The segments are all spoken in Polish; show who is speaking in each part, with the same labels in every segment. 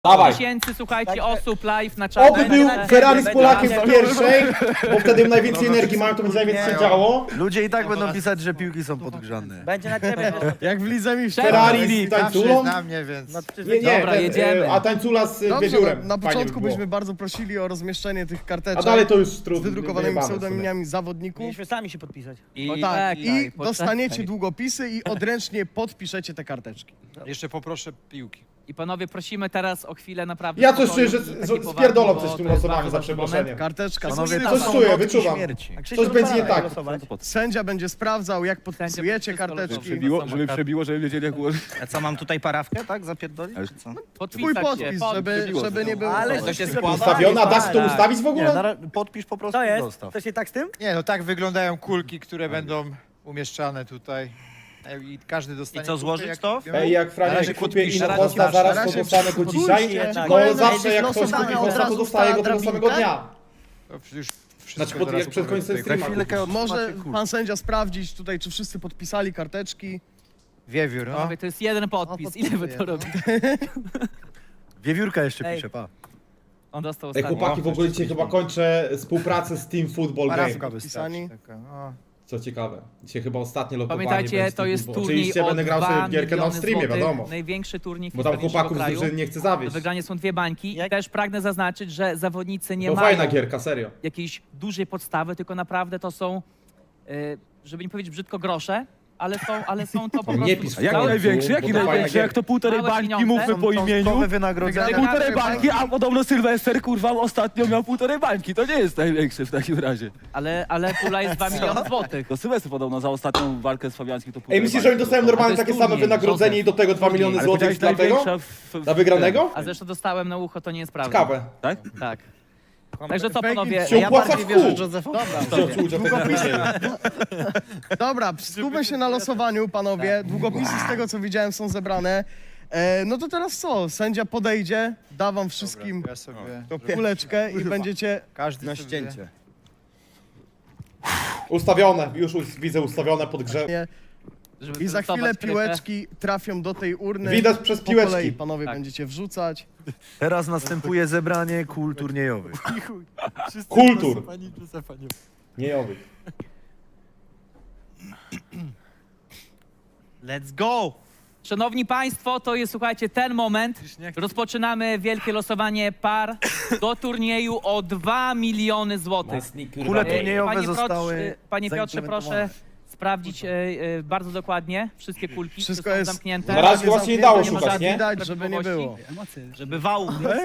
Speaker 1: Dawaj.
Speaker 2: tysięcy, słuchajcie, osób live na czacie.
Speaker 1: Oby był Ferrari z Polakiem w pierwszej, bo wtedy najwięcej energii mają, to będzie najwięcej się działo.
Speaker 3: Ludzie i tak będą pisać, że piłki są podgrzane.
Speaker 4: Będzie na ciebie.
Speaker 5: Jak w Lidze Mistrzów.
Speaker 1: Ferrari z tańculą.
Speaker 3: Na mnie, więc...
Speaker 1: Nie,
Speaker 2: Dobra, jedziemy.
Speaker 1: a tańcula z
Speaker 5: Dobrze,
Speaker 1: wiewiórem.
Speaker 5: na
Speaker 1: Fajnie
Speaker 5: początku
Speaker 1: by było.
Speaker 5: byśmy bardzo prosili o rozmieszczenie tych karteczek
Speaker 1: A dalej to już
Speaker 5: z
Speaker 1: trudno.
Speaker 5: wydrukowanymi pseudonimami zawodników.
Speaker 4: Mieliśmy sami się podpisać.
Speaker 5: O, tak, i dostaniecie długopisy i odręcznie podpiszecie te karteczki.
Speaker 6: Jeszcze poproszę piłki.
Speaker 2: I panowie, prosimy teraz o chwilę naprawdę
Speaker 1: Ja coś
Speaker 2: spokoju
Speaker 1: czuję,
Speaker 2: i
Speaker 1: że
Speaker 2: takiej powagi,
Speaker 1: spierdolą
Speaker 2: bo
Speaker 1: coś w tym
Speaker 2: to jest
Speaker 1: losowaniu,
Speaker 2: bardzo
Speaker 1: za
Speaker 2: ważny moment.
Speaker 1: przeproszeniem.
Speaker 5: Karteczka.
Speaker 3: Panowie,
Speaker 5: Coś
Speaker 3: to
Speaker 1: Coś
Speaker 3: są
Speaker 1: czuję,
Speaker 3: notki
Speaker 1: wyczuwam.
Speaker 3: śmierci.
Speaker 1: Coś będzie nie tak.
Speaker 5: Sędzia będzie sprawdzał, jak podpisujecie
Speaker 2: wszystko
Speaker 5: karteczki.
Speaker 2: losowo.
Speaker 7: Żeby przebiło, żeby wiedzieli jak ułożyć.
Speaker 3: A co, mam tutaj parawkę, tak? Zapierdolić? czy co?
Speaker 5: Twój
Speaker 2: Podpisać
Speaker 5: podpis, żeby nie było.
Speaker 4: Ale
Speaker 6: To się składa.
Speaker 1: Ustawiona, da się to
Speaker 2: Tak.
Speaker 1: ustawić w
Speaker 3: Nie,
Speaker 1: ogóle?
Speaker 3: podpisz po prostu
Speaker 4: To
Speaker 3: i
Speaker 4: jest?
Speaker 3: dostaw.
Speaker 4: To się tak z tym?
Speaker 6: Nie, no tak wyglądają kulki, które będą umieszczane tutaj. I każdy dostanie
Speaker 3: I co,
Speaker 6: kulkę,
Speaker 3: złożyć
Speaker 6: jak-
Speaker 3: to?
Speaker 1: Ej, jak
Speaker 6: Na
Speaker 1: Franiak
Speaker 6: razie
Speaker 1: kupię
Speaker 6: podpiszę.
Speaker 1: inną
Speaker 6: Na
Speaker 1: posta,
Speaker 6: razie
Speaker 1: zaraz to
Speaker 5: podpiszę.
Speaker 1: dostanę go dzisiaj.
Speaker 5: Spójrzcie,
Speaker 4: tak.
Speaker 1: No
Speaker 5: kolejny
Speaker 1: zawsze
Speaker 5: dzień
Speaker 1: jak ktoś kupi
Speaker 5: losowania,
Speaker 1: posta,
Speaker 5: od
Speaker 1: to
Speaker 5: razu
Speaker 1: dostaje go tego
Speaker 5: drabinka.
Speaker 1: samego dnia.
Speaker 6: To już
Speaker 1: Znaczy
Speaker 6: wszystko
Speaker 1: jak
Speaker 6: teraz
Speaker 1: przed końcem
Speaker 6: powiem.
Speaker 1: streama.
Speaker 3: chwilkę
Speaker 1: kupisz.
Speaker 5: Może pan sędzia sprawdzić tutaj, czy wszyscy podpisali karteczki.
Speaker 6: Wiewiór, no.
Speaker 2: Panowie, to jest jeden podpis.
Speaker 5: O,
Speaker 2: Ile wy
Speaker 5: podpisuję,
Speaker 2: to
Speaker 5: no.
Speaker 2: robicie?
Speaker 3: Wiewiórka jeszcze
Speaker 2: Ej.
Speaker 3: pisze, pa.
Speaker 2: On dostał
Speaker 1: Ej,
Speaker 2: ostatni.
Speaker 1: chłopaki, w ogóle dzisiaj chyba kończę współpracę z Team Football Game.
Speaker 6: Parawka
Speaker 5: Podpisani.
Speaker 6: wystarczy. Taka, no.
Speaker 1: Co ciekawe. Dzisiaj chyba ostatnie lokowanie
Speaker 2: Pamiętajcie,
Speaker 1: będzie z
Speaker 2: to
Speaker 1: Team
Speaker 2: jest
Speaker 1: Football.
Speaker 2: turniej
Speaker 1: Oczywiście
Speaker 2: o
Speaker 1: będę grał
Speaker 2: 2
Speaker 1: sobie gierkę na
Speaker 2: miliony
Speaker 1: streamie,
Speaker 2: złotych.
Speaker 1: wiadomo.
Speaker 2: Największy turniej w
Speaker 1: Bo tam
Speaker 2: historii
Speaker 1: chłopaków z
Speaker 2: naszego
Speaker 1: drużyny
Speaker 2: kraju.
Speaker 1: nie chce
Speaker 2: Do
Speaker 1: zawieść.
Speaker 2: wygrania są 2 bańki. I też pragnę zaznaczyć, że zawodnicy nie
Speaker 1: To
Speaker 2: mają
Speaker 1: fajna gierka, serio.
Speaker 2: jakiejś dużej podstawy, tylko naprawdę to są, żeby nie powiedzieć brzydko, grosze, ale są to po
Speaker 1: Nie
Speaker 2: prostu...
Speaker 1: pisz
Speaker 7: A jak
Speaker 1: Cały
Speaker 7: największy?
Speaker 1: klub,
Speaker 7: Jaki
Speaker 1: bo to
Speaker 7: największy?
Speaker 1: fajna
Speaker 7: Jak to półtorej
Speaker 2: Małe
Speaker 7: bańki
Speaker 2: pieniądze.
Speaker 7: mówmy po imieniu?
Speaker 3: Nowe wynagrodzenie.
Speaker 7: Półtorej bańki, a podobno Sylwester kurwa ostatnio miał półtorej bańki. To nie jest największy w takim razie.
Speaker 2: Ale pula jest 2 miliony złotych.
Speaker 7: To Sylwester podobno za ostatnią walkę z Fabiańskim to półtorej
Speaker 1: Ej, myślisz, że oni
Speaker 7: bańki
Speaker 1: dostają
Speaker 7: dostał.
Speaker 1: normalnie
Speaker 2: A to jest
Speaker 1: takie same
Speaker 2: turniej,
Speaker 1: wynagrodzenie i do tego 2 miliony
Speaker 7: Ale
Speaker 1: złotych
Speaker 7: powiedziałeś
Speaker 1: dla tego?
Speaker 7: największa
Speaker 1: Dla wygranego?
Speaker 2: A zresztą dostałem na ucho, to nie jest prawda.
Speaker 1: Ciekawe.
Speaker 7: Tak?
Speaker 2: Tak. Także co
Speaker 5: Fake
Speaker 2: panowie,
Speaker 5: it.
Speaker 1: Się opłaca w kół.
Speaker 5: Dobra,
Speaker 1: Długopisy.
Speaker 5: dobra, skupmy się na losowaniu, panowie. Długopisy z tego, co widziałem, są zebrane. No to teraz co? Sędzia podejdzie, da wam wszystkim
Speaker 6: Ja sobie...
Speaker 5: kuleczkę i będziecie...
Speaker 6: Każdy na ścięcie.
Speaker 1: Ustawione, już widzę ustawione pod grze.
Speaker 2: żeby
Speaker 5: I za chwilę
Speaker 2: wylosować krytę.
Speaker 5: piłeczki trafią do tej urny.
Speaker 1: Widać przez
Speaker 5: Po kolei
Speaker 1: piłeczki.
Speaker 5: panowie
Speaker 2: Tak.
Speaker 5: będziecie wrzucać.
Speaker 3: Teraz następuje zebranie kul turniejowych.
Speaker 1: Kultur. Nie owych.
Speaker 4: Let's go!
Speaker 2: Szanowni Państwo, to jest, słuchajcie, ten moment. Rozpoczynamy wielkie losowanie par do turnieju o 2 miliony złotych.
Speaker 3: Kule turniejowe
Speaker 2: Panie
Speaker 3: zostały
Speaker 2: Panie Piotrze, proszę
Speaker 3: zaimplementowane.
Speaker 2: sprawdzić bardzo dokładnie wszystkie kulki,
Speaker 5: Wszystko
Speaker 2: które są
Speaker 5: jest-
Speaker 2: zamknięte.
Speaker 1: Na razie właśnie nie dało
Speaker 2: Nie ma
Speaker 1: szukać,
Speaker 2: żadnych
Speaker 1: nie?
Speaker 5: Widać, żeby nie było.
Speaker 4: Żeby wał.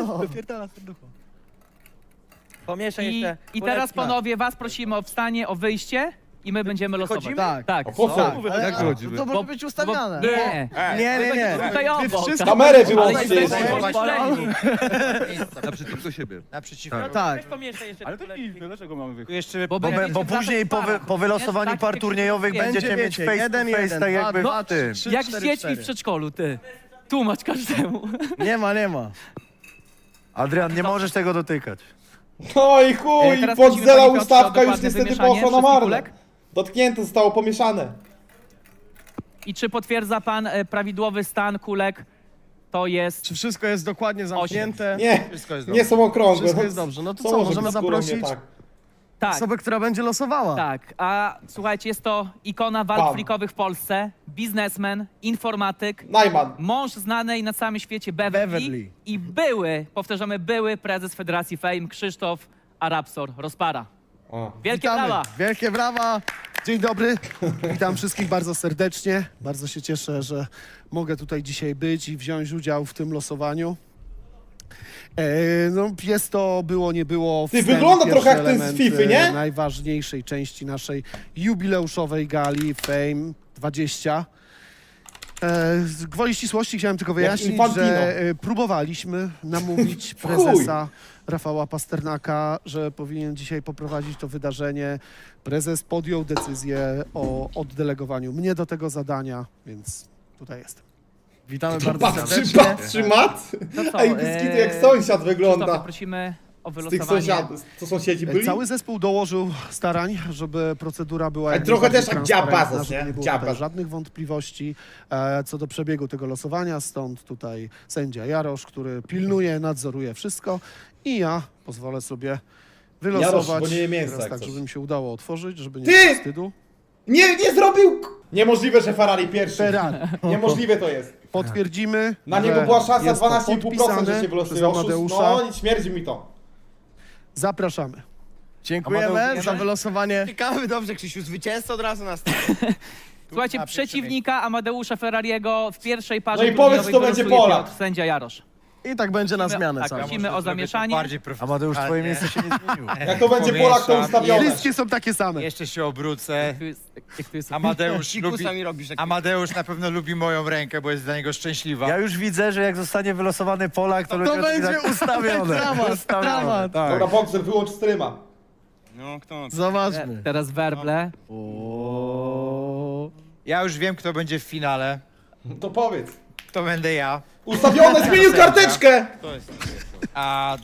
Speaker 4: Pomieszaj
Speaker 2: I
Speaker 4: jeszcze.
Speaker 2: teraz,
Speaker 4: kuleczki.
Speaker 2: panowie, was prosimy o wstanie, o wyjście i my będziemy losować.
Speaker 5: Tak.
Speaker 2: Tak.
Speaker 1: A po co?
Speaker 5: Tak, ale,
Speaker 7: Jak wychodzimy?
Speaker 5: to może być ustawiane.
Speaker 2: Nie.
Speaker 5: Nie.
Speaker 2: Tutaj obok.
Speaker 5: wszystko-
Speaker 1: Kamerę
Speaker 2: Ale
Speaker 1: wyłączcie
Speaker 2: jesteśmy
Speaker 1: jeszcze.
Speaker 2: oświetleni.
Speaker 7: Naprzeciwko siebie.
Speaker 6: Naprzeciwko.
Speaker 5: Tak.
Speaker 2: Weź pomieszaj jeszcze
Speaker 7: Ale to
Speaker 2: kuleczki.
Speaker 7: dziwne, dlaczego mamy
Speaker 6: Tu
Speaker 7: wychodzić?
Speaker 6: jeszcze...
Speaker 2: Bo
Speaker 3: Bo
Speaker 2: będziecie
Speaker 3: później
Speaker 2: w parach,
Speaker 3: po wylosowaniu
Speaker 2: wiesz,
Speaker 3: par
Speaker 2: tak,
Speaker 3: turniejowych
Speaker 2: takie
Speaker 3: będziecie mieć
Speaker 5: wiecie,
Speaker 3: face to face,
Speaker 5: 1-1,
Speaker 3: tak jakby
Speaker 5: dwa,
Speaker 3: w tym.
Speaker 5: trzy,
Speaker 2: Jak z
Speaker 5: 4,
Speaker 2: dziećmi
Speaker 5: 4.
Speaker 2: w przedszkolu, ty. Tłumacz każdemu.
Speaker 5: Nie ma.
Speaker 3: Adrian, nie możesz tego dotykać.
Speaker 1: Oj chuj,
Speaker 2: Teraz prosimy
Speaker 1: podzela
Speaker 2: Panie Piotrze o
Speaker 1: ustawka już
Speaker 2: dokładne
Speaker 1: niestety
Speaker 2: wymieszanie
Speaker 1: poszła na
Speaker 2: wszystkich
Speaker 1: marne.
Speaker 2: kulek.
Speaker 1: Dotknięte zostało pomieszane.
Speaker 2: I czy potwierdza pan prawidłowy stan kulek? To jest...
Speaker 5: Czy wszystko jest dokładnie zamknięte?
Speaker 1: Nie,
Speaker 6: Wszystko jest
Speaker 1: nie są okrągłe.
Speaker 5: Wszystko jest dobrze. No to co,
Speaker 1: może
Speaker 5: możemy
Speaker 1: być z górą nie
Speaker 5: zaprosić
Speaker 1: tak?
Speaker 2: Tak,
Speaker 5: osobę, która będzie losowała.
Speaker 2: tak. A słuchajcie, jest to ikona walk
Speaker 1: Pan.
Speaker 2: freakowych w Polsce, biznesmen, informatyk,
Speaker 1: Najman.
Speaker 2: mąż znanej na całym świecie Beverly,
Speaker 5: Beverly.
Speaker 2: i powtarzamy, były prezes Federacji Fame Krzysztof Arabsor Rozpara.
Speaker 1: O.
Speaker 2: Wielkie
Speaker 5: Witamy.
Speaker 2: brawa!
Speaker 5: Wielkie brawa.
Speaker 8: Dzień dobry, witam wszystkich bardzo serdecznie. Bardzo się cieszę, że mogę tutaj dzisiaj być i wziąć udział w tym losowaniu. No, jest to było, nie było.
Speaker 1: Ty,
Speaker 8: wstęp,
Speaker 1: wygląda
Speaker 8: pierwszy
Speaker 1: trochę jak ten z
Speaker 8: element,
Speaker 1: Fify, nie?
Speaker 8: Najważniejszej części naszej jubileuszowej gali Fame 20. Z gwoli ścisłości chciałem tylko wyjaśnić,
Speaker 1: Infantino.
Speaker 8: że próbowaliśmy namówić
Speaker 1: chuj.
Speaker 8: prezesa Rafała Pasternaka, że powinien dzisiaj poprowadzić to wydarzenie. Prezes podjął decyzję o oddelegowaniu mnie do tego zadania, więc tutaj jestem.
Speaker 5: Witamy bardzo
Speaker 1: Patrzy,
Speaker 5: serdecznie.
Speaker 1: patrzy mat.
Speaker 2: To co,
Speaker 1: Ej, Biskitu jak sąsiad
Speaker 2: Krzysztofie,
Speaker 1: wygląda.
Speaker 2: prosimy o
Speaker 1: Z tych
Speaker 2: wylosowanie.
Speaker 1: sąsiadów, co sąsiedzi byli?
Speaker 8: Cały zespół dołożył starań, żeby procedura była jak
Speaker 1: trochę
Speaker 8: najbardziej
Speaker 1: też jak
Speaker 8: transparentna,
Speaker 1: Diabazos,
Speaker 8: żeby
Speaker 1: nie?
Speaker 8: nie było
Speaker 1: Diabaz.
Speaker 8: tutaj żadnych wątpliwości co do przebiegu tego losowania, stąd tutaj sędzia Jarosz, który pilnuje, nadzoruje wszystko i ja pozwolę sobie wylosować,
Speaker 1: Jarosz, bo nie je mięsa,
Speaker 8: teraz
Speaker 1: jak
Speaker 8: tak,
Speaker 1: coś.
Speaker 8: żeby mi się udało otworzyć, żeby nie
Speaker 1: Ty!
Speaker 8: było wstydu.
Speaker 1: Nie zrobił! Niemożliwe, że Ferrari pierwszy.
Speaker 8: Ferrari.
Speaker 1: Niemożliwe to jest.
Speaker 8: Potwierdzimy,
Speaker 1: Na
Speaker 8: że
Speaker 1: niego była szansa
Speaker 8: jest to
Speaker 1: 12,5%, że
Speaker 8: podpisane
Speaker 1: się
Speaker 8: przez
Speaker 1: wylosuje oszust.
Speaker 8: Amadeusza.
Speaker 1: No i śmierdzi mi to.
Speaker 8: Zapraszamy.
Speaker 5: Dziękujemy za wylosowanie.
Speaker 9: Ciekawy, dobrze, Krzysiu, zwycięzca od razu nas.
Speaker 2: Słuchajcie, przeciwnika Amadeusza Ferrariego w pierwszej parze
Speaker 1: No i powiedz,
Speaker 2: turniejowej
Speaker 1: kto będzie
Speaker 2: wylosuje
Speaker 1: Polak.
Speaker 2: Piotr, sędzia Jarosz.
Speaker 5: I tak będzie na zmianę
Speaker 2: Tak,
Speaker 5: cały.
Speaker 2: prosimy o zamieszanie.
Speaker 6: Bardziej
Speaker 3: Amadeusz, twoje miejsce się nie zmieniło.
Speaker 1: Jak to będzie Polak, to ustawione.
Speaker 8: Wszystkie są takie same.
Speaker 6: Jeszcze się obrócę.
Speaker 2: Jak tu jest
Speaker 6: Amadeusz na pewno lubi moją rękę, bo jest dla niego szczęśliwa.
Speaker 3: Ja już widzę, że jak zostanie wylosowany Polak, to
Speaker 5: To
Speaker 3: ludzie
Speaker 5: będzie
Speaker 3: tak ustawione.
Speaker 5: dramat, dramat.
Speaker 3: Tak.
Speaker 1: Dobra, Boxer, wyłącz streama.
Speaker 9: No, kto?
Speaker 5: Zobaczmy.
Speaker 2: teraz werble.
Speaker 6: Ja już wiem, kto będzie w finale.
Speaker 1: To powiedz.
Speaker 6: To będę ja.
Speaker 1: Ustawione, zmienił karteczkę!
Speaker 9: Kto jest?
Speaker 6: A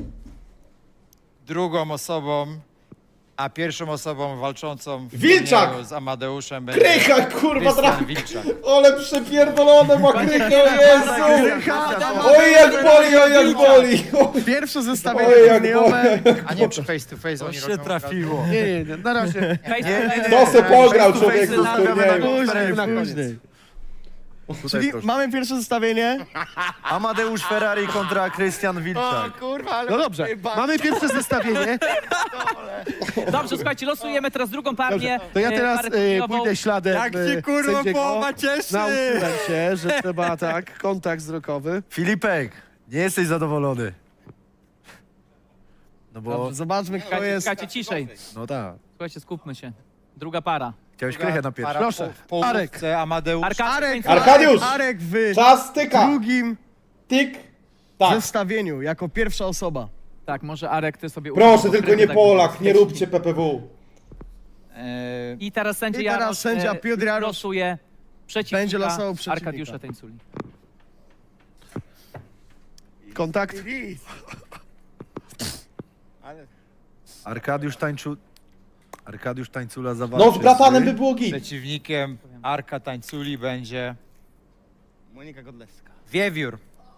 Speaker 6: drugą osobą, a pierwszą osobą walczącą w
Speaker 1: Wilczak!
Speaker 6: turnieju z Amadeuszem będzie
Speaker 1: Krycha, kurwa,
Speaker 6: Krystian
Speaker 1: trafi.
Speaker 6: Wilczak.
Speaker 1: Ale przepierdolone ma krychę, Jezu!
Speaker 8: Krycha,
Speaker 1: Oj, jak boli, oj, jak boli!
Speaker 5: Pierwsze zestawienie
Speaker 1: Oj, jak
Speaker 5: turniejowe.
Speaker 1: boli!
Speaker 6: A nie przy face to face
Speaker 3: To
Speaker 6: oni
Speaker 3: się
Speaker 6: robią
Speaker 3: trafiło.
Speaker 8: Nie, na razie.
Speaker 1: To se pograł,
Speaker 3: Face to face
Speaker 1: człowieku, z
Speaker 3: zostawiamy na
Speaker 1: turnieju.
Speaker 3: konferencji.
Speaker 8: Na koniec.
Speaker 5: Później.
Speaker 3: Tutaj
Speaker 5: Czyli
Speaker 3: proszę.
Speaker 5: mamy pierwsze zestawienie.
Speaker 3: Amadeusz Ferrari kontra Krystian Wilczak.
Speaker 9: Kurwa, ale...
Speaker 8: No dobrze, mamy pierwsze zestawienie.
Speaker 2: Dobrze, słuchajcie, losujemy teraz drugą partię.
Speaker 8: Dobrze, to ja teraz
Speaker 2: parę turniejową.
Speaker 8: pójdę śladem
Speaker 9: Jak się, kurwa,
Speaker 8: sędziego.
Speaker 9: połowa cieszy!
Speaker 8: Nauczyłem się, że trzeba tak, kontakt wzrokowy.
Speaker 3: Filipek, nie jesteś zadowolony. No bo,
Speaker 5: Dobrze, zobaczmy kto
Speaker 2: Czekajcie,
Speaker 5: jest.
Speaker 2: czekajcie, ciszej.
Speaker 3: no tak.
Speaker 2: Słuchajcie, skupmy się. Druga para.
Speaker 3: Chciałeś krychę na pierwszy.
Speaker 8: Proszę,
Speaker 6: W połówce Amadeusz.
Speaker 1: Arkadiusz!
Speaker 5: Arek w
Speaker 1: Czas tyka!
Speaker 5: drugim
Speaker 1: Tik! Tak.
Speaker 5: zestawieniu jako pierwsza osoba.
Speaker 2: Tak, może Arek, ty sobie...
Speaker 1: Proszę, tylko nie
Speaker 2: tak
Speaker 1: Polak, nie róbcie PPW.
Speaker 2: I teraz sędzia
Speaker 5: I teraz
Speaker 2: Jarosz
Speaker 5: sędzia Piotr Jarosz
Speaker 2: losuje przeciwnika
Speaker 5: będzie losował przeciwnika.
Speaker 2: Arkadiusza Tańculi.
Speaker 8: kontakt.
Speaker 3: Arkadiusz Tańcula zawalczy.
Speaker 1: No z bratanem by było git.
Speaker 6: Przeciwnikiem Arka Tańculi będzie
Speaker 9: Monika Godlewska.
Speaker 6: Wiewiór.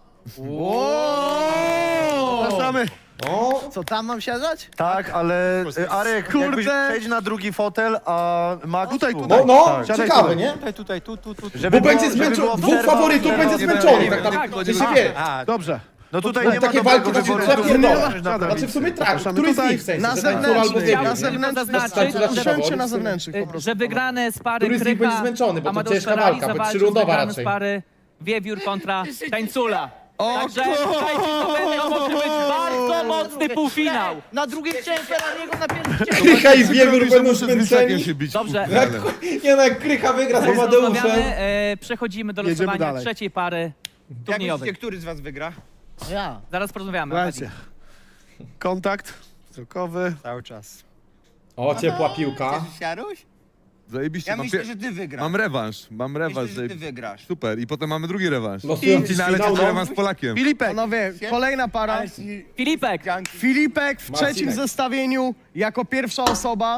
Speaker 8: Zapraszamy.
Speaker 1: O,
Speaker 9: Co, tam mam siadać?
Speaker 3: Tak, ale Arek,
Speaker 5: Kurde.
Speaker 3: jakbyś przejdź na drugi fotel, a Max
Speaker 8: Tutaj,
Speaker 3: tu.
Speaker 8: tutaj.
Speaker 1: no,
Speaker 3: Tak.
Speaker 8: Siadaj
Speaker 1: ciekawe,
Speaker 8: tu.
Speaker 1: nie?
Speaker 6: Tu.
Speaker 3: Żeby
Speaker 1: Bo będzie
Speaker 3: było- żeby
Speaker 1: zmęczony,
Speaker 3: była
Speaker 1: dwóch
Speaker 3: przerwa,
Speaker 1: faworytów
Speaker 3: przerwa
Speaker 1: będzie
Speaker 3: nie
Speaker 1: zmęczonych,
Speaker 3: będzie.
Speaker 1: tak naprawdę, się wie.
Speaker 8: Dobrze.
Speaker 3: No tutaj
Speaker 1: To
Speaker 3: nie ma
Speaker 1: takie
Speaker 3: dobrego
Speaker 1: walki to się
Speaker 3: wyboru.
Speaker 1: trzeba pierdolać.
Speaker 3: Możesz na
Speaker 8: Siadaj.
Speaker 1: Znaczy w sumie tak,
Speaker 8: Zapraszamy
Speaker 1: który z
Speaker 8: tutaj.
Speaker 1: nich w sensie?
Speaker 5: Na
Speaker 1: że Tańcula albo
Speaker 5: zewnętrznych,
Speaker 1: Wiewiór,
Speaker 5: na
Speaker 1: nie?
Speaker 5: zewnętrznych,
Speaker 2: Zaznaczyć,
Speaker 5: siądźcie na
Speaker 2: żeby-
Speaker 5: zewnętrznych po prostu.
Speaker 2: Że wygrane z pary
Speaker 1: Który z nich
Speaker 2: Krycha,
Speaker 1: będzie zmęczony, bo to
Speaker 2: Amadeusz
Speaker 1: ciężka
Speaker 2: Ferrari
Speaker 1: walka, bo
Speaker 2: zawalczy z
Speaker 1: trzyrundowa
Speaker 2: wygranym
Speaker 1: raczej.
Speaker 2: z pary Wiewiór kontra Tańcula. Także słuchajcie, to może być bardzo mocny półfinał.
Speaker 4: Na drugim chciałem Ferrariego, na pierwszym
Speaker 1: Krycha i Wiewiór będą zmęczeni.
Speaker 2: Dobrze,
Speaker 1: Nie no, jak Krycha wygra z Amadeuszem.
Speaker 2: rozmawiamy, przechodzimy do
Speaker 8: Jedziemy
Speaker 2: losowania
Speaker 8: dalej.
Speaker 2: trzeciej pary
Speaker 9: Jak
Speaker 2: turniejowej.
Speaker 9: myślicie, który z was wygra?
Speaker 5: Ja.
Speaker 2: Zaraz porozmawiamy.
Speaker 8: Słuchajcie. Kontakt wzrokowy.
Speaker 6: Cały czas.
Speaker 1: O, ciepła piłka.
Speaker 9: Cieszysz się, Jaruś?
Speaker 10: Zajebiście,
Speaker 9: Ja
Speaker 10: mam,
Speaker 9: myślę, że ty wygrasz.
Speaker 10: mam rewanż,
Speaker 9: Myślę, że ty wygrasz.
Speaker 10: Super, i potem mamy drugi rewanż.
Speaker 1: Losują
Speaker 10: W finale
Speaker 1: finał,
Speaker 10: też
Speaker 1: no.
Speaker 10: rewanż z Polakiem.
Speaker 8: Filipek.
Speaker 5: Panowie, kolejna para.
Speaker 2: Filipek,
Speaker 5: Filipek w trzecim
Speaker 1: Marcinek.
Speaker 5: zestawieniu jako pierwsza osoba.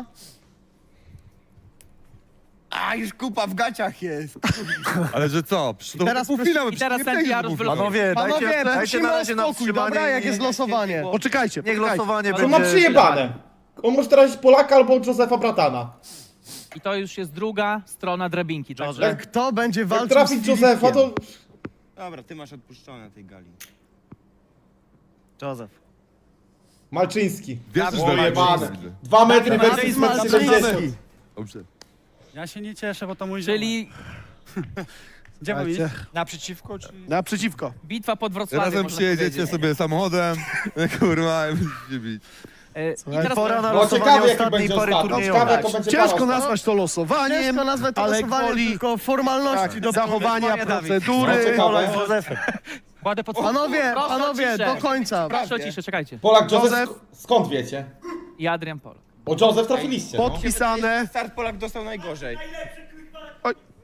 Speaker 9: A, już kupa w gaciach jest.
Speaker 10: Ale że co? Przecież to
Speaker 5: Teraz
Speaker 10: półfinał,
Speaker 2: i teraz
Speaker 10: przecież nie
Speaker 2: sędzia Jarosz
Speaker 10: półfinał.
Speaker 2: wylosuje.
Speaker 3: Panowie,
Speaker 5: Panowie,
Speaker 3: dajcie na
Speaker 5: prosimy o
Speaker 3: razie na
Speaker 5: spokój,
Speaker 3: wstrzymanie.
Speaker 5: dobra? Jak jest losowanie?
Speaker 8: Poczekajcie,
Speaker 3: Niech
Speaker 8: poczekajcie.
Speaker 3: losowanie
Speaker 1: To
Speaker 3: będzie...
Speaker 1: ma przyjebane. On może teraz Polaka albo Józefa Bratana.
Speaker 2: i to już jest druga strona drabinki. Także
Speaker 5: Kto będzie
Speaker 1: Jak
Speaker 5: walczył z
Speaker 1: trafić
Speaker 5: Filipkiem?
Speaker 1: Józefa, to...
Speaker 9: Dobra, ty masz odpuszczone na tej gali.
Speaker 4: Józef.
Speaker 1: Malczyński.
Speaker 10: Wierzysz
Speaker 1: O,
Speaker 10: we mnie?
Speaker 1: jebane. 2 metry versus
Speaker 5: Malczyński.
Speaker 1: 170.
Speaker 10: Dobrze.
Speaker 7: Ja się nie cieszę, bo to mój
Speaker 2: czyli
Speaker 7: Gdzie mam iść?
Speaker 8: Słuchajcie.
Speaker 6: Naprzeciwko, czy...
Speaker 8: Naprzeciwko.
Speaker 2: bitwa pod Wrocławiem.
Speaker 10: Razem
Speaker 2: można
Speaker 10: przyjedziecie
Speaker 2: powiedzieć.
Speaker 10: sobie samochodem, kurwa, i będziecie bić.
Speaker 2: I teraz
Speaker 3: Pora na
Speaker 1: No
Speaker 3: losowanie
Speaker 1: ciekawe, jaki
Speaker 3: ostatniej
Speaker 1: będzie
Speaker 3: pary
Speaker 1: ostatni.
Speaker 3: turniejowej.
Speaker 1: Ciekawe, to będzie
Speaker 8: Ciężko
Speaker 1: para
Speaker 8: nazwać to losowaniem,
Speaker 5: Ciężko nazwać to
Speaker 8: ale
Speaker 5: losowaniem,
Speaker 8: gwoli
Speaker 5: tylko formalności
Speaker 8: tak,
Speaker 5: do
Speaker 8: zachowania procedury.
Speaker 1: No, ciekawe.
Speaker 3: Polak z Józefem.
Speaker 2: kładę pod...
Speaker 5: Panowie,
Speaker 2: Proszę o
Speaker 5: panowie,
Speaker 2: ciszę.
Speaker 5: do końca.
Speaker 2: Proszę o ciszę, czekajcie.
Speaker 1: Polak, Józef,
Speaker 8: Józef.
Speaker 1: skąd wiecie?
Speaker 2: I Adrian Polak.
Speaker 1: Bo Józef trafiliście, no.
Speaker 8: Podpisane.
Speaker 9: Start Polak dostał najgorzej.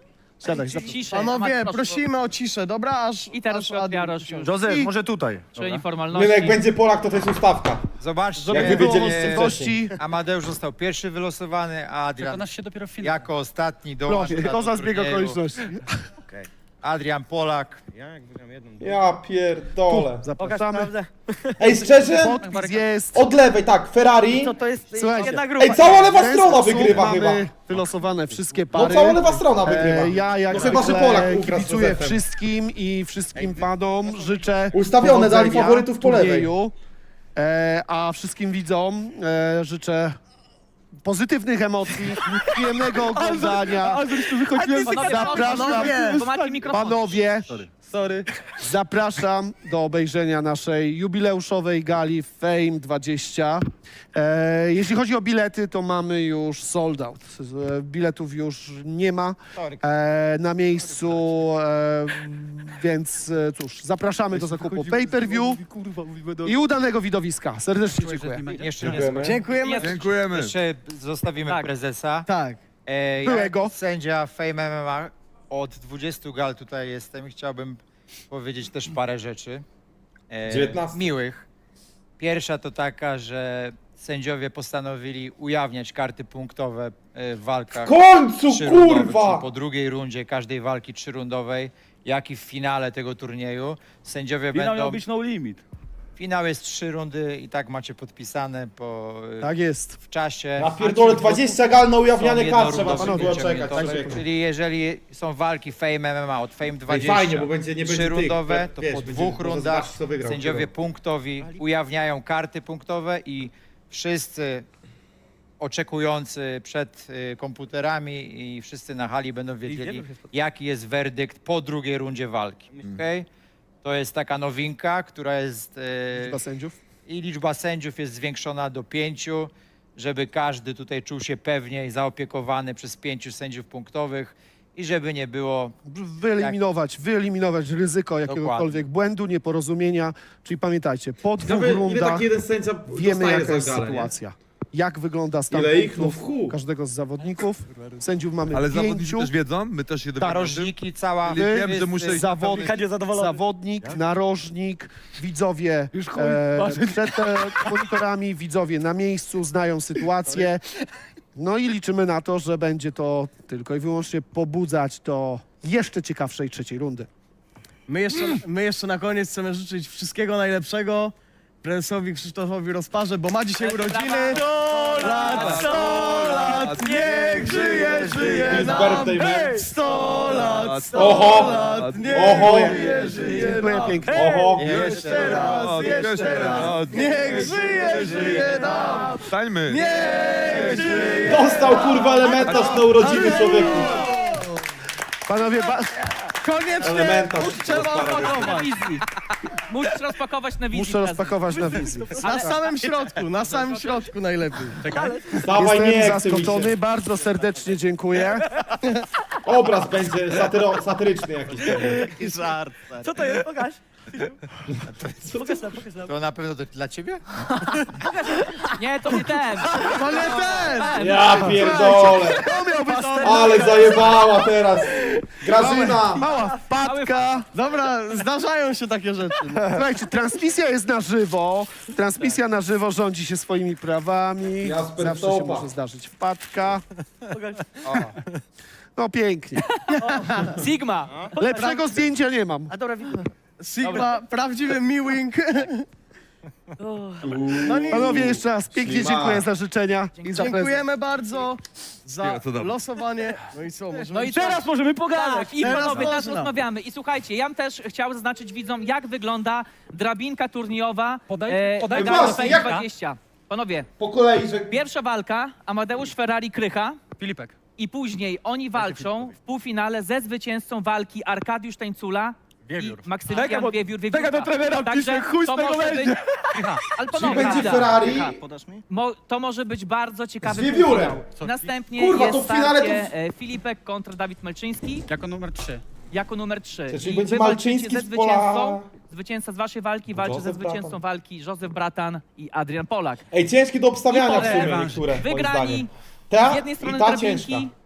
Speaker 8: Siadaj,
Speaker 2: Ciszej.
Speaker 5: Panowie,
Speaker 2: Proszę.
Speaker 5: prosimy o ciszę, dobra? Aż
Speaker 2: I teraz
Speaker 5: aż
Speaker 2: Piotr
Speaker 5: Adrian
Speaker 2: Jarosz
Speaker 5: usiądzie.
Speaker 3: Józef, może tutaj.
Speaker 2: Czyli formalności.
Speaker 1: My, jak będzie Polak, to jest ustawka.
Speaker 6: Zobaczcie,
Speaker 1: Jak wy wiedzieliście wcześniej.
Speaker 3: Gości.
Speaker 6: Amadeusz został pierwszy wylosowany, a Adrian
Speaker 7: się dopiero w finale.
Speaker 6: jako ostatni dołączył
Speaker 8: Proszę,
Speaker 6: do
Speaker 8: to za zbieg
Speaker 6: turnieju.
Speaker 8: okoliczności.
Speaker 6: Adrian Polak.
Speaker 9: Ja jak wygram jedną...
Speaker 1: Ja pierdolę.
Speaker 8: Zapraszamy.
Speaker 1: Ej, szczerze?
Speaker 8: Podpis jest.
Speaker 1: Od lewej, tak, Ferrari.
Speaker 4: To jest
Speaker 8: Słuchajcie.
Speaker 4: jedna grupa.
Speaker 1: Ej, cała lewa
Speaker 8: W ten
Speaker 1: strona
Speaker 8: sposób
Speaker 1: wygrywa
Speaker 8: mamy
Speaker 1: chyba.
Speaker 8: wylosowane wszystkie
Speaker 1: No
Speaker 8: pary.
Speaker 1: cała lewa strona wygrywa.
Speaker 8: Ja jak
Speaker 1: No chyba, że
Speaker 8: zwykle
Speaker 1: Polak ugra z
Speaker 8: kibicuję
Speaker 1: Józefem.
Speaker 8: wszystkim i wszystkim panom życzę
Speaker 1: Ustawione, dali
Speaker 8: powodzenia
Speaker 1: faworytów po lewej.
Speaker 8: turnieju, a wszystkim widzom życzę pozytywnych emocji, przyjemnego oglądania.
Speaker 7: A zresztą wychodziłem...
Speaker 8: Zapraszam,
Speaker 2: Bo macie mikrofon.
Speaker 8: panowie,
Speaker 7: Sorry.
Speaker 8: zapraszam do obejrzenia naszej jubileuszowej gali Fame 20. Jeśli chodzi o bilety, to mamy już sold out. Biletów już nie ma na miejscu, więc cóż, zapraszamy do zakupu pay-per-view i udanego widowiska. Serdecznie dziękuję.
Speaker 6: Jeszcze nie
Speaker 1: Dziękujemy.
Speaker 5: Dziękujemy.
Speaker 10: Dziękujemy.
Speaker 6: Jeszcze zostawimy
Speaker 2: Tak.
Speaker 6: prezesa.
Speaker 5: Tak.
Speaker 8: Byłego.
Speaker 6: Sędzia Fame MMA od 20 gal tutaj jestem i chciałbym powiedzieć też parę rzeczy.
Speaker 1: 19.
Speaker 6: Miłych. Pierwsza to taka, że sędziowie postanowili ujawniać karty punktowe w walkach
Speaker 1: W końcu,
Speaker 6: trzyrundowych,
Speaker 1: kurwa!
Speaker 6: czyli po drugiej rundzie każdej walki trzyrundowej, jak i w finale tego turnieju. Sędziowie
Speaker 7: Finał
Speaker 6: będą...
Speaker 7: miał być no limit.
Speaker 6: Finał jest 3 rundy i tak macie podpisane
Speaker 8: Tak jest.
Speaker 6: w czasie.
Speaker 1: Na pierdolę 20 gal na
Speaker 6: Są
Speaker 1: ujawnianie kart trzeba
Speaker 6: jednorundowe
Speaker 1: było czekać.
Speaker 6: wyciągnięte.
Speaker 1: Tak,
Speaker 6: Czyli jeżeli są walki Fame MMA od Fame 20,
Speaker 1: fajnie, bo będzie- nie będzie
Speaker 6: trzyrundowe,
Speaker 1: tych,
Speaker 6: to
Speaker 1: wiesz,
Speaker 6: po
Speaker 1: będzie-
Speaker 6: 2
Speaker 1: może
Speaker 6: rundach
Speaker 1: zobaczyć, kto wygrał,
Speaker 6: sędziowie
Speaker 1: wygrał.
Speaker 6: punktowi ujawniają karty punktowe i wszyscy oczekujący przed komputerami i wszyscy na hali będą wiedzieli, jaki jest werdykt po drugiej rundzie walki. Okay? To jest taka nowinka, która jest...
Speaker 8: Liczba sędziów.
Speaker 6: I liczba sędziów jest zwiększona do 5, żeby każdy tutaj czuł się pewnie i zaopiekowany przez 5 sędziów punktowych i żeby nie było...
Speaker 8: Wyeliminować ryzyko jakiegokolwiek błędu, nieporozumienia. Czyli pamiętajcie, po 2
Speaker 1: Ile
Speaker 8: rundach
Speaker 1: taki jeden sędzia
Speaker 8: wiemy,
Speaker 1: dostaje
Speaker 8: jaka jest
Speaker 1: za galę, nie?
Speaker 8: sytuacja. Jak wygląda stan
Speaker 1: Ile ich? No
Speaker 8: punktów
Speaker 1: w chuj.
Speaker 8: każdego z zawodników. Sędziów mamy
Speaker 10: Ale
Speaker 8: 5.
Speaker 10: zawodnicy też wiedzą? My też się dowiemy.
Speaker 6: Narożniki, cała...
Speaker 10: Czyli wiem, że muszę iść
Speaker 8: Zawodnik, narożnik, widzowie przed monitorami, widzowie na miejscu, znają sytuację. No i liczymy na to, że będzie to tylko i wyłącznie pobudzać do jeszcze ciekawszej trzeciej rundy.
Speaker 5: My jeszcze na koniec chcemy życzyć wszystkiego najlepszego prezesowi Krzysztofowi Rozparze, bo ma dzisiaj urodziny. 100 lat, niech żyje, żyje
Speaker 1: His
Speaker 5: nam.
Speaker 1: birthday, man.
Speaker 5: 100 lat, 100
Speaker 1: Oho!
Speaker 5: lat, niech
Speaker 1: Oho!
Speaker 5: żyje, żyje
Speaker 8: Dziękuję
Speaker 5: nam.
Speaker 8: pięknie.
Speaker 1: Oho!
Speaker 5: Jeszcze raz, jeszcze raz, niech żyje, żyje nam.
Speaker 10: Stańmy.
Speaker 5: Niech żyje.
Speaker 1: Dostał kurwa elementarz na urodziny człowieku.
Speaker 8: Panowie,
Speaker 5: Koniecznie
Speaker 1: Elementarz.
Speaker 5: trzeba
Speaker 2: Na
Speaker 5: opakować.
Speaker 2: wizji. Musisz rozpakować na wizji.
Speaker 8: muszę
Speaker 2: teraz.
Speaker 8: rozpakować na wizji.
Speaker 5: Na samym środku najlepiej.
Speaker 1: Dawaj, nie
Speaker 8: Jestem
Speaker 1: chce mi się.
Speaker 8: zaskoczony, bardzo serdecznie dziękuję.
Speaker 1: Obraz będzie satyryczny jakiś. pewnie.
Speaker 4: Co to jest? Pokaż.
Speaker 6: To na pewno to dla ciebie?
Speaker 2: Nie, to nie ten.
Speaker 5: To nie ten!
Speaker 1: Ja pierdolę.
Speaker 8: To miał być
Speaker 1: Ale zajebała teraz. Grażyna.
Speaker 8: mała wpadka.
Speaker 5: Dobra, zdarzają się takie rzeczy.
Speaker 8: Słuchajcie, transmisja jest na żywo. Transmisja na żywo rządzi się swoimi prawami.
Speaker 1: Jasper
Speaker 8: Zawsze się
Speaker 1: Topa.
Speaker 8: może zdarzyć wpadka. No pięknie.
Speaker 2: Sigma.
Speaker 8: Lepszego zdjęcia nie mam.
Speaker 4: A dobra, widzę.
Speaker 5: Sigma, prawdziwy miłing. No nie,
Speaker 8: Panowie, jeszcze raz pięknie
Speaker 1: Ślimak.
Speaker 8: dziękuję za życzenia i za prezent.
Speaker 5: dziękujemy bardzo za
Speaker 10: Ja, to dobrze.
Speaker 5: losowanie. No i co, możemy...
Speaker 2: No i
Speaker 7: Teraz możemy pogadać.
Speaker 2: Tak, i
Speaker 5: Teraz
Speaker 2: panowie, teraz
Speaker 5: można.
Speaker 2: rozmawiamy. I słuchajcie, ja bym też chciał zaznaczyć widzom, jak wygląda drabinka turniejowa
Speaker 7: Podajcie
Speaker 2: Fame
Speaker 1: właśnie, jak-
Speaker 2: 20. Panowie,
Speaker 1: Po kolei, że...
Speaker 2: pierwsza walka, Amadeusz Ferrari Krycha.
Speaker 7: Filipek.
Speaker 2: I później oni walczą w półfinale ze zwycięzcą walki Arkadiusz Tańcula i Maksymilian Wiewiór.
Speaker 7: Tego do trenera pisze, chuj z
Speaker 2: to
Speaker 7: tego
Speaker 2: może
Speaker 7: będzie.
Speaker 2: być... Ale
Speaker 1: Czyli
Speaker 2: panowie,
Speaker 1: będzie
Speaker 2: chwila.
Speaker 1: Ferrari.
Speaker 4: Podasz mi?
Speaker 2: To może być bardzo ciekawy
Speaker 1: Z Wiewiórem.
Speaker 2: półfinał. Następnie
Speaker 1: Kurwa,
Speaker 2: jest
Speaker 1: to w finale
Speaker 2: starcie Filipek kontra Dawid Melczyński
Speaker 7: Jako numer 3.
Speaker 2: jako numer 3.
Speaker 1: Czyli
Speaker 2: I
Speaker 1: będzie
Speaker 2: wy walczycie
Speaker 1: Malczyński
Speaker 2: ze
Speaker 1: z Pola-
Speaker 2: zwycięzcą. Zwycięzca z waszej walki walczy
Speaker 1: Józef
Speaker 2: ze zwycięzcą
Speaker 1: Bratan.
Speaker 2: walki Józef Bratan i Adrian Polak.
Speaker 1: Ej, ciężkie do obstawiania w sumie
Speaker 2: Rewanż.
Speaker 1: niektóre, moim
Speaker 2: Wygrani
Speaker 1: zdaniem. Ta
Speaker 2: z jednej strony
Speaker 1: i ta
Speaker 2: drabinki,
Speaker 1: ciężka.